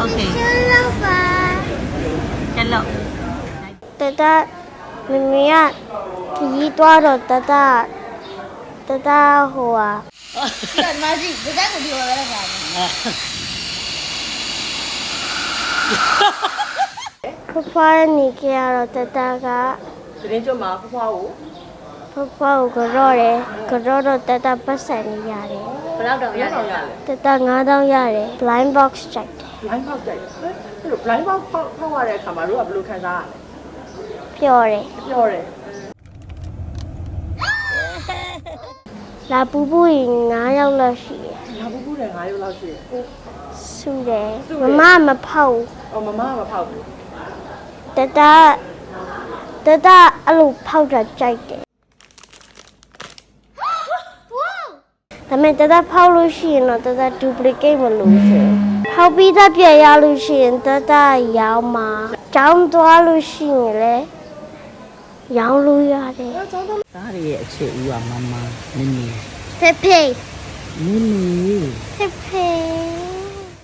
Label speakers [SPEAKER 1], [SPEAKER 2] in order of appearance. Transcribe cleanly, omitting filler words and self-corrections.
[SPEAKER 1] Okay. Hello.
[SPEAKER 2] တတမမီကခကြီးသွားတော့တတဟိုဟာ
[SPEAKER 3] မကြီးဒီကကိုဒီလိုပဲလား
[SPEAKER 2] ဖဖနေကြရတော့တတက
[SPEAKER 4] သတင်းကြမှာဖွားကို
[SPEAKER 2] ဖဖကိုကြော့တယ်ကြော့တော့တတပတ်စံနေရတယ်
[SPEAKER 3] ဘယ်လောက်တော့ရလဲ
[SPEAKER 2] တတ9000ရတယ် blind box ကြိုက်တယ်
[SPEAKER 4] blind box ကြိုက်တယ်အဲ့လို blind box ဖောက်ရတဲ့အခါမှာတို့ကဘယ်လိုခံစားရလဲ
[SPEAKER 2] ပျော်တယ်
[SPEAKER 4] ပြောတယ်
[SPEAKER 2] လာပူပူရင်9ယောက်လောက်ရှိတယ်
[SPEAKER 4] လာပူပူတယ်9ရက်လောက်ရှိတယ်
[SPEAKER 2] စုတယ်မမဖောက်
[SPEAKER 4] အော်မမကမဖောက်ဘူး
[SPEAKER 2] တတအဲ့လိုဖောက်တာကြိုက်တယ်ဒါပေမဲ့တတဖောက်လို့ရှိရင်တော့တတ duplicate မလို့ရှိရင်ဖောက်ပြီးသားပြရလို့ရှိရင်တတရောင်းမှာကျောင်းသွားလို့ရှိရင်လည်းရောင်းလို့ရတယ်
[SPEAKER 5] သားတွေရဲ့အခြေဦးကမမမင်းမင်း
[SPEAKER 2] ဖေဖေ
[SPEAKER 5] မင်းမင်း
[SPEAKER 2] ဖေဖေ